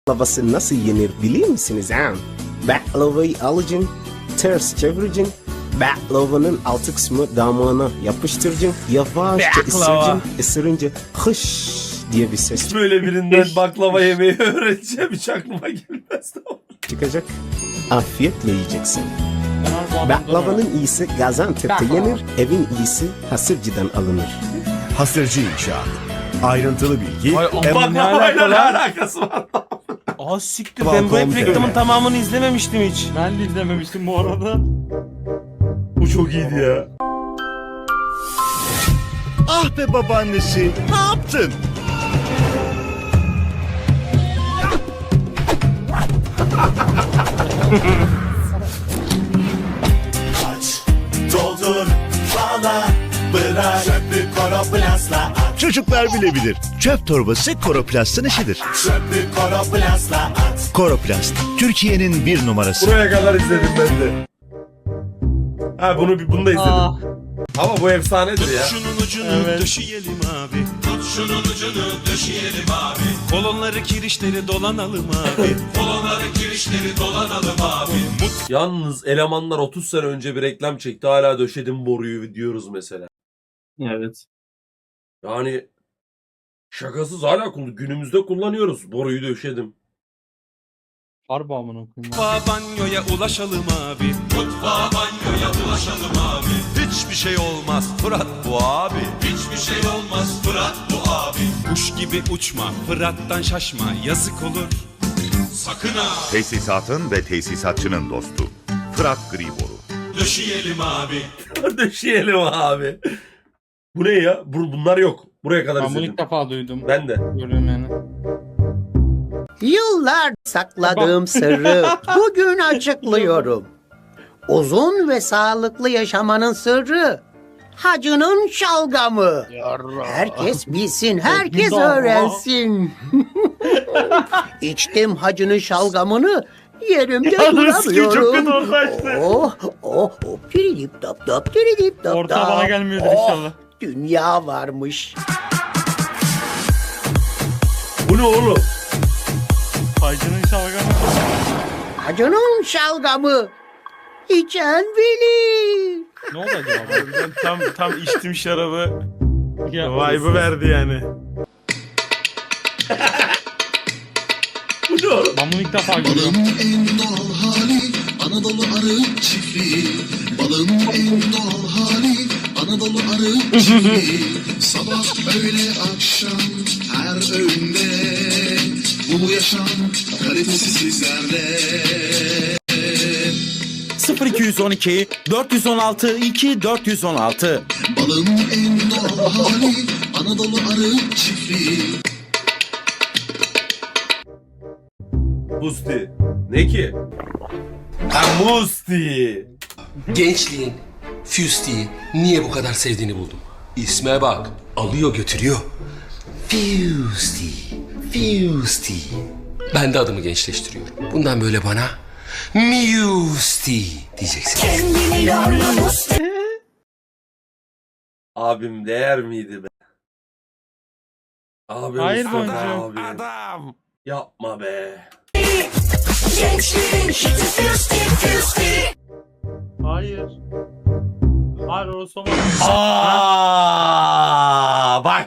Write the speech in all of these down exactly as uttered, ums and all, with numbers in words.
Baklavası nasıl yenir biliyor musunuz ha? Baklavayı alacaksın, ters çevireceksin. Baklavanın altı kısmı damağına yapıştıracaksın. Yavaşça ısıracaksın. Isırınca hış diye bir ses Böyle birinden baklava yemeyi öğreneceğim hiç aklıma gelmez. çıkacak. Afiyetle yiyeceksin. Baklavanın iyisi Gaziantep'te yenir, evin iyisi Hasırcı'dan alınır. Hasırcı İnşaat. Ayrıntılı bilgi. Ay, em- aman ne Baklavayla ne alaka lan? alakası var? Aa siktir, ben bu hep Balkon reklamın T V. tamamını izlememiştim hiç. Ben de izlememiştim bu arada. Bu çok iyiydi ya. Ah be babaannesi, ne yaptın? Doldur, bağla, bırak, çöplük koroplastla at. Çocuklar bilebilir. Çöp torbası Koroplast'ın işidir. Çöplük koroplastla at. Koroplast, Türkiye'nin bir numarası. Buraya kadar izledim ben de. Ha bunu bunu da izledim. Aa, Ama bu efsanedir ya. Şunun ucunu Evet. döşeyelim abi. Tut şunun ucunu döşeyelim abi. Kolonları kirişleri dolanalım abi. Kolonları kirişleri dolanalım abi. Yalnız elemanlar otuz sene önce bir reklam çekti. Hala döşedim boruyu diyoruz mesela. evet. Yani şakasız hala kullan- günümüzde kullanıyoruz. Boruyu döşedim. Harbi amına koyayım. Mutfağa banyoya ulaşalım abi. Mutfağa banyoya ulaşalım abi. Hiçbir şey olmaz Fırat bu abi. Hiçbir şey olmaz Fırat bu abi. Kuş gibi uçma Fırat'tan şaşma yazık olur. Sakın ha. Tesisatın ve tesisatçının dostu. Fırat Gri Boru. Döşeyelim abi. Döşeyelim abi. Bu ne ya? Bu, bunlar yok. Buraya kadar Ben bunu izledim. ilk defa duydum. Ben de. Görüyorum yani. Yıllar sakladığım sırrı bugün açıklıyorum. Uzun ve sağlıklı yaşamanın sırrı hacının şalgamı. Herkes bilsin, herkes öğrensin. İçtim hacının şalgamını, yerimde duramıyorum. Oh, oh, oh, tiridip dap dap, tiridip dap Orta dap. bana gelmiyordur Oh, inşallah. dünya varmış. Bu ne oğlum? Hacının şalgamı. Hacının şalgamı. İçen bilir. Ne oldu acaba? Ben tam tam içtim şarabı. Ya, Vibe'ı verdi yani. Bu ne oğlum? Ben bunu ilk defa görüyorum. En doğal hali Anadolu arı çiftliği. Balın en doğal hali Anadolu arı çiftliği. Sabah öğle akşam her öğünde bu yaşam kalitesi sizlerde. sıfır iki on iki dört on altı iki dört on altı. Balın en doğal hali Anadolu arı çiftliği. Musti. Ne ki? Ha Musti. Gençliğin Fusti'yi niye bu kadar sevdiğini buldum. İsme bak, alıyor götürüyor. Fusti, Fusti. Ben de adımı gençleştiriyorum. Bundan böyle bana Musti diyeceksin. Abim değer miydi be? Abi Hayır Mustafa boncuğum. abi. Adam. Yapma be. Hayır. Hayır orası olmaz. Aa, bak.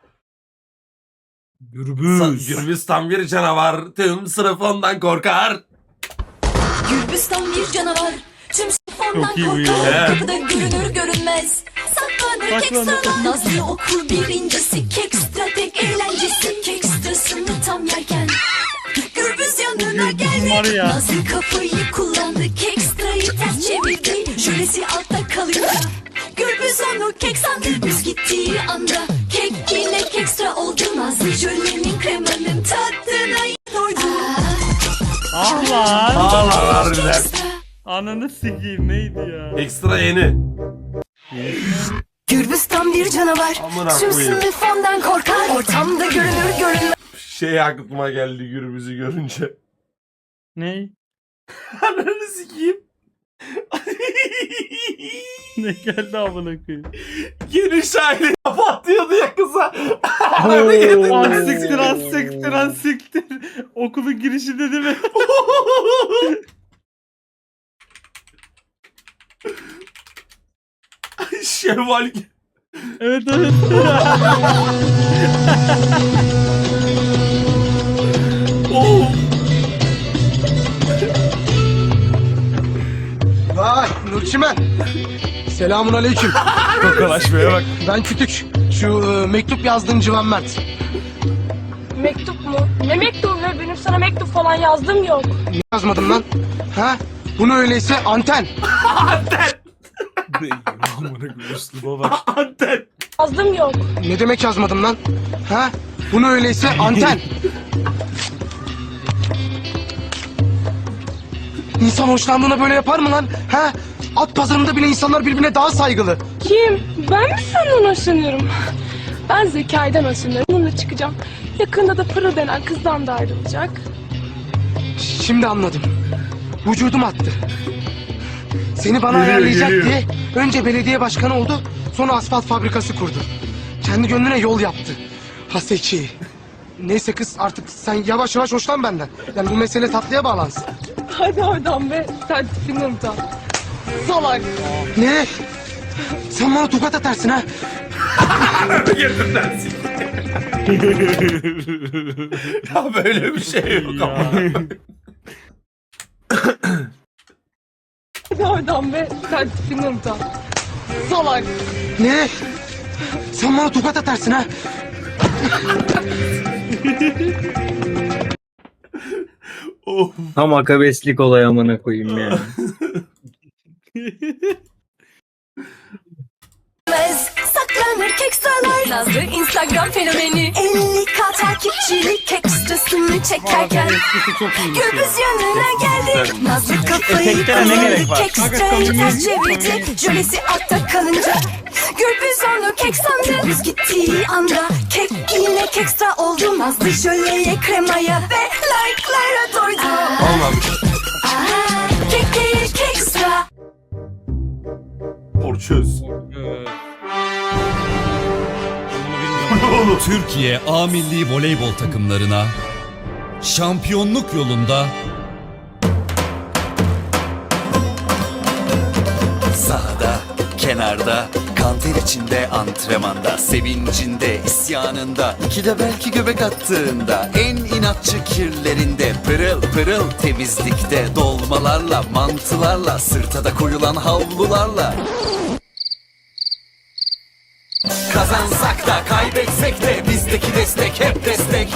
Gürbüz. Gürbüstan bir canavar. Tüm sınıf ondan korkar. Gürbüstan bir canavar. Tüm sınıf ondan Çok iyi bu korkar. ya. Kapıda görünür görünmez. Saklanır Saklanır. Kekstra'dan. Nazlı okur birincisi. Kekstra tek eğlencesi. Kekstrasını tam yerken Gürbüz yanına Var geldi. ya. Nazlı kafayı kullandı. Kekstra'yı ters çevirdi. Şölesi altta kalıyor. Gürbüz onu kek sandı. Gürbüz gittiği anda kek yine kekstra oldu. Nazlı jölenin kremanın tadına doydu. Ah lan. Ağlar harbiden. Ananı sikeyim neydi ya? Ekstra yeni. Gürbüz tam bir canavar. Amına Tüm koyayım. sınıf ondan korkar. Ortamda görünür görünmez. Şey aklıma geldi Gürbüz'ü görünce. Ney? Ananı sikeyim. Ne geldi amına koyayım? Geniş aile patlıyordu ya kıza. Ananı yedim. Az siktir az siktir az siktir. Okulun girişinde değil mi? Şevval. Evet evet. Oh. Vay Nurçimen. Selamun aleyküm. Tokalaşmaya bak. Ben Kütük. Şu e, mektup yazdığım Civan Mert. Mektup mu? Ne mektubu be? Benim sana mektup falan yazdım yok. Niye yazmadım lan? Ha? Bunu öyleyse anten. Anten. Amına koyayım üsluba bak. Anten. Yazdım yok. Ne demek yazmadım lan? Ha? Bunu öyleyse anten. İnsan hoşlandığına böyle yapar mı lan? Ha? At pazarında bile insanlar birbirine daha saygılı. Kim? Ben mi senden hoşlanıyorum? Ben Zekai'den hoşlanıyorum. Onunla çıkacağım. Yakında da Pırıl denen kızdan da ayrılacak. Şimdi anladım. Vücudum attı. Seni bana Geliyor, ayarlayacak geliyor. diye önce belediye başkanı oldu, sonra asfalt fabrikası kurdu. Kendi gönlüne yol yaptı. Haseki. Neyse kız artık sen yavaş yavaş hoşlan benden. Yani bu mesele tatlıya bağlansın. Hadi oradan be. Sen tipinden utan. Salak. Ne? Sen bana tokat atarsın ha? Götünden Ya böyle bir şey yok ama. Hadi oradan be. Sen tipinden utan. Salak. Ne? Sen bana tokat atarsın ha? Of. Tam akabeslik olay amına koyayım ya. Saklanır kekstralar. Nazlı Instagram fenomeni. elli k takipçilik ekstrasını çekerken Gürbüz yanına geldi. Nazlı kafayı Efektlere ne gerek var? Kekstrayı ters çevirdi. Jölesi altta kalınca Gürbüz onu kek sandı. Gürbüz gittiği anda kek yine kekstra oldu. Nazlı jöleye kremaya ve like'lara doydu. Allah'ım. Aha, kek değil kekstra. Porçöz. Türkiye A Milli Voleybol takımlarına şampiyonluk yolunda Sahada, kenarda, kanter içinde, antrenmanda, sevincinde, isyanında, iki de belki göbek attığında, en inatçı kirlerinde, pırıl pırıl temizlikte, dolmalarla, mantılarla, sırta da koyulan havlularla. Kazansak da kaybetsek de bizdeki destek hep destek.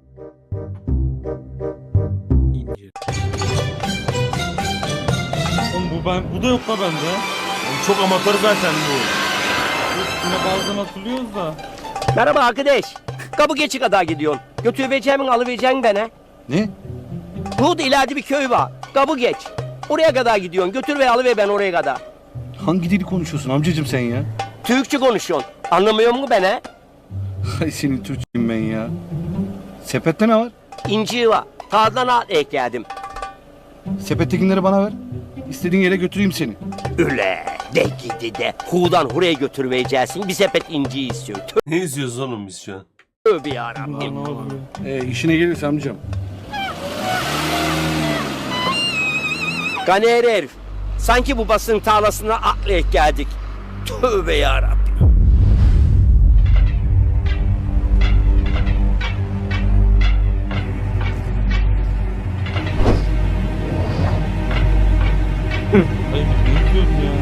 Oğlum bu ben bu da yok la bende. Çok amatör zaten bu. Üstüne bazen hatırlıyoruz da. Merhaba arkadaş. Kapı geçi kadar gidiyorsun. Götüreceğimin alıvereceğin bana. Ne? Burada ileride bir köy var. Kapı geç. Oraya kadar gidiyorsun. Götür ve alıver ben oraya kadar. Hangi dili konuşuyorsun amcacım sen ya? Türkçe konuşuyorsun. Anlamıyor musun beni? Ay senin Türkçeyim ben ya. Sepette ne var? İnci var. Tağdan at ekledim. Sepettekileri bana ver. İstediğin yere götüreyim seni. Öyle. De gidi de. Hu'dan huraya götürmeyeceksin. Bir sepet inci istiyor. Ne izliyoruz oğlum biz şu an? Tövbe yarabbim. Ne oluyor? Ee, işine gelirse amcam. Ganer herif. Sanki bu basın tarlasına atlayıp geldik. Tövbe yarabbim. Ay ne diyorsun ya?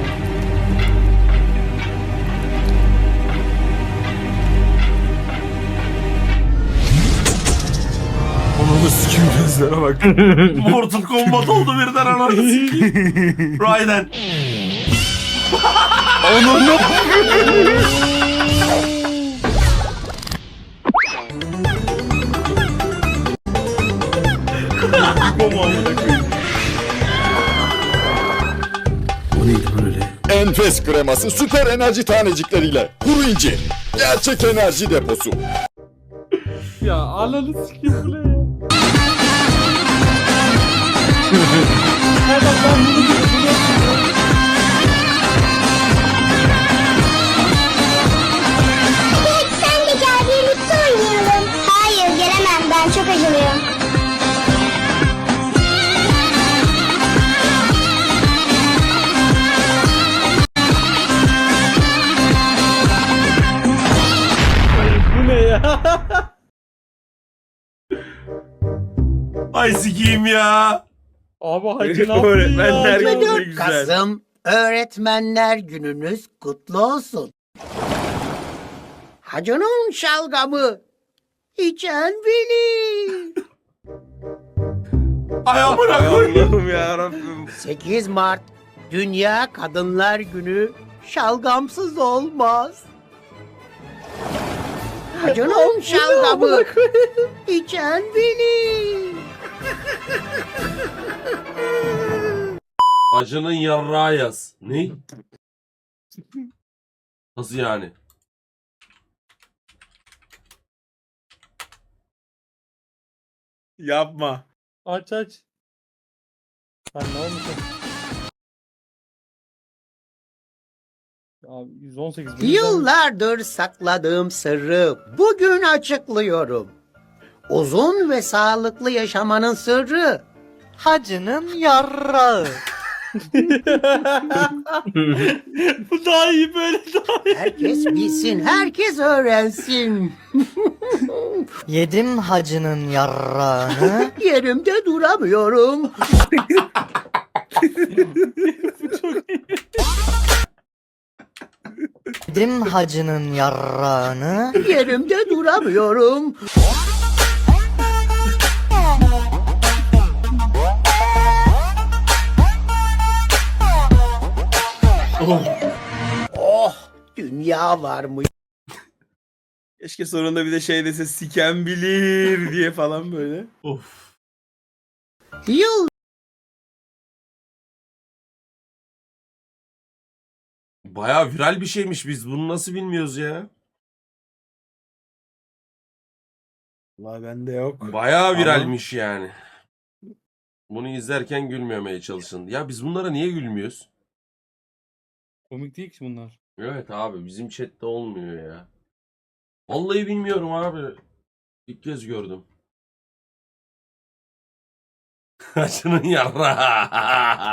Ananı sikim gözlere bak. Mortal Kombat oldu birden ananı sikim. Raiden. Onurlu. Enfes kreması süper enerji tanecikleriyle. Kuru incir. Gerçek enerji deposu. Ya ananı sikeyim bu ne ya? Sen de gel birlikte oynayalım. Hayır gelemem ben çok acılıyım. Ay sikiyim ya. Abi hacı ne yaptın Öğretmenler ya? günü ne güzel. Kasım Öğretmenler Gününüz kutlu olsun. Hacının şalgamı içen bilir. Ay amına Ay koyayım. Allah'ım yarabbim. sekiz Mart Dünya Kadınlar Günü şalgamsız olmaz. Hacının şalgamı içen bilir. Acının yarrağı yaz. Ne? Nasıl yani? Yapma. Aç aç. Lan ne olmuş? Abi yüz on sekiz bin. Yıllardır sakladığım sırrı bugün açıklıyorum. Uzun ve sağlıklı yaşamanın sırrı hacının yarrağı. Bu daha iyi böyle daha iyi. Herkes bilsin, herkes öğrensin. Yedim hacının yarrağını. Yerimde duramıyorum. Yedim hacının yarrağını. Yerimde duramıyorum. Oh, dünya var mı? Keşke sonunda bir de şey dese siken bilir diye falan böyle. Of. Yıl Baya viral bir şeymiş, biz bunu nasıl bilmiyoruz ya? Vay bende yok. Baya viralmiş yani. Bunu izlerken gülmemeye çalışın. Ya biz bunlara niye gülmüyoruz? Komik değil ki bunlar. Evet abi, bizim chatte olmuyor ya. Vallahi bilmiyorum abi. İlk kez gördüm. Acının yarrağı.